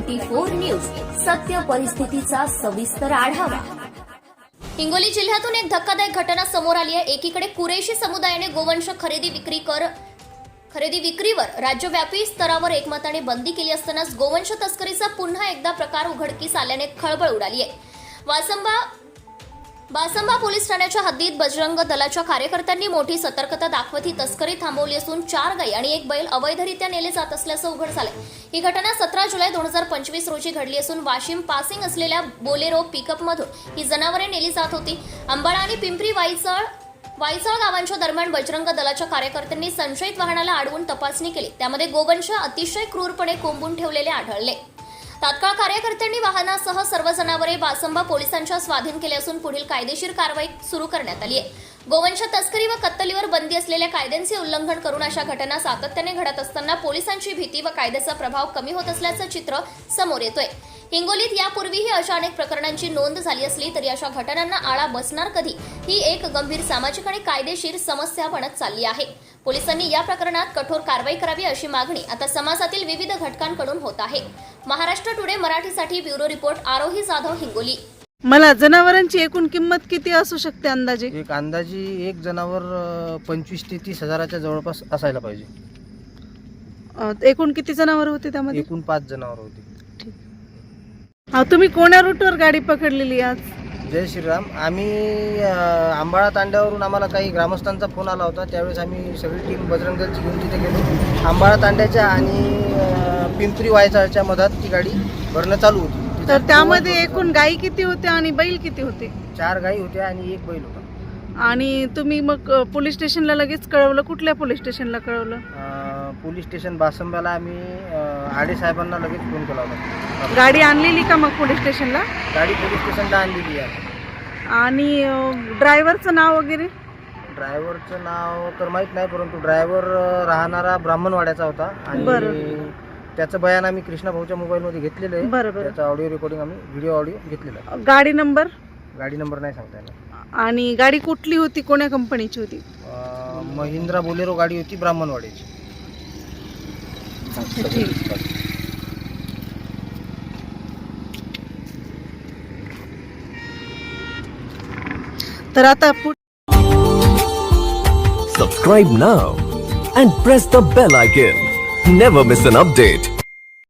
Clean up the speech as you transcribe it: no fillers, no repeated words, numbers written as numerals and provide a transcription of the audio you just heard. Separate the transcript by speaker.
Speaker 1: 24 news, सत्य परिस्थितीचा सविस्तर आढावा। हिंगोली जिल्ह्यातून एक धक्कादायक घटना समोर आली आहे। एकीकडे कुरेशी समुदायाने गोवंश खरेदी विक्रीवर राज्यव्यापी स्तरावर एकमताने बंदी केली असतानाच गोवंश तस्करीचा पुन्हा एकदा प्रकार उघडकीस आल्याने खळबळ उडाली आहे। बासंबा पोलीस ठाण्याच्या हद्दीत बजरंग दलाच्या कार्यकर्त्यांनी मोठी सतर्कता दाखवत ही तस्करी थांबवली असून 4 गाई आणि 1 बैल अवैधरित्या नेले जात असल्याचं उघड झालंय। ही घटना 17 जुलै 2025 रोजी घडली असून वाशिम पासिंग असलेल्या बोलेरो पिकअपमधून ही जनावरे नेली जात होती। अंबाळा आणि पिंपरी वायचळ गावांच्या दरम्यान बजरंग दलाच्या कार्यकर्त्यांनी संशयित वाहनाला अडवून तपासणी केली। त्यामध्ये गोवंश अतिशय क्रूरपणे कोंबून ठेवलेले आढळले। तात्काळ कार्यकर्त्यांनी वाहनासह सर्व जनावरे बासंबा पोलिसांच्या स्वाधीन केले असून पुढील कायदेशीर कारवाई सुरू करण्यात आली आहे। गोवंश तस्करी व कत्तलीवर बंदी असलेल्या कायद्यांचे उल्लंघन करून अशा घटना सातत्याने घडत असताना पोलिसांची भीती व कायद्याचा प्रभाव कमी होत असल्याचं चित्र समोर येतोय। हिंगोलीत यापूर्वीही अशा अनेक प्रकरणांची नोंद झाली असली तरी अशा घटनांना आळा बसणार कधी ही एक गंभीर सामाजिक आणि कायदेशीर समस्या बनत चालली आहे। पोलिसांनी या प्रकरणात कठोर कारवाई करावी अशी मागणी आता समाजातील विविध घटकांकडून होत आहे। महाराष्ट्र टुडे मराठीसाठी ब्युरो रिपोर्ट आरोही जाधव, हिंगोली।
Speaker 2: मला जनावरांची एकूण किंमत किती असू शकते अंदाजे?
Speaker 3: एक जनावर 25 ते 30 हजाराच्या जवळपास असायला पाहिजे।
Speaker 2: एकूण किती जनावर होते त्यामध्ये?
Speaker 3: एकूण 5 जनावर होते।
Speaker 2: तुम्ही कोण्या रूटवर गाडी पकडलेली आज?
Speaker 3: जय श्रीराम। आम्ही अंबाळा तांड्यावरून आम्हाला काही ग्रामस्थांचा फोन आला होता, त्यावेळेस आम्ही सगळी टीम बजरंग दलची घेऊन तिथे गेलो। अंबाळा तांड्याच्या आणि पिंपरी वायचाळच्या मधात ती गाडी भरणं चालू होती।
Speaker 2: तर त्यामध्ये एकूण गाई किती होत्या आणि बैल किती होते?
Speaker 3: 4 गाई होत्या आणि 1 बैल होता।
Speaker 2: आणि तुम्ही मग पोलीस स्टेशनला लगेच कळवलं? कुठल्या पोलीस स्टेशनला कळवलं?
Speaker 3: पोलीस स्टेशन बासंब्याला आम्ही आडे साहेबांना लगेच फोन केला होता।
Speaker 2: गाडी आणलेली का मग पोलीस स्टेशनला?
Speaker 3: गाडी पोलीस स्टेशनला आणलेली आहे।
Speaker 2: आणि ड्रायव्हरचं नाव वगैरे?
Speaker 3: ड्रायव्हरचं नाव तर माहीत नाही, परंतु ड्रायव्हर राहणारा ब्राह्मणवाड्याचा होता आणि त्याचं बयान आम्ही कृष्णा भाऊच्या मोबाईलमध्ये घेतलेलं आहे।
Speaker 2: बरोबर।
Speaker 3: त्याचं ऑडिओ रेकॉर्डिंग आम्ही व्हिडिओ ऑडिओ घेतलेला आहे।
Speaker 2: गाडी नंबर
Speaker 3: नाही सांगता येणार। आणि
Speaker 2: गाडी कुठली होती, कोण्या कंपनीची होती?
Speaker 3: महिंद्रा बोलेरो गाडी होती, ब्राह्मणवाड्याची।
Speaker 2: तर आता
Speaker 4: Subscribe now and press the bell icon. Never miss an update.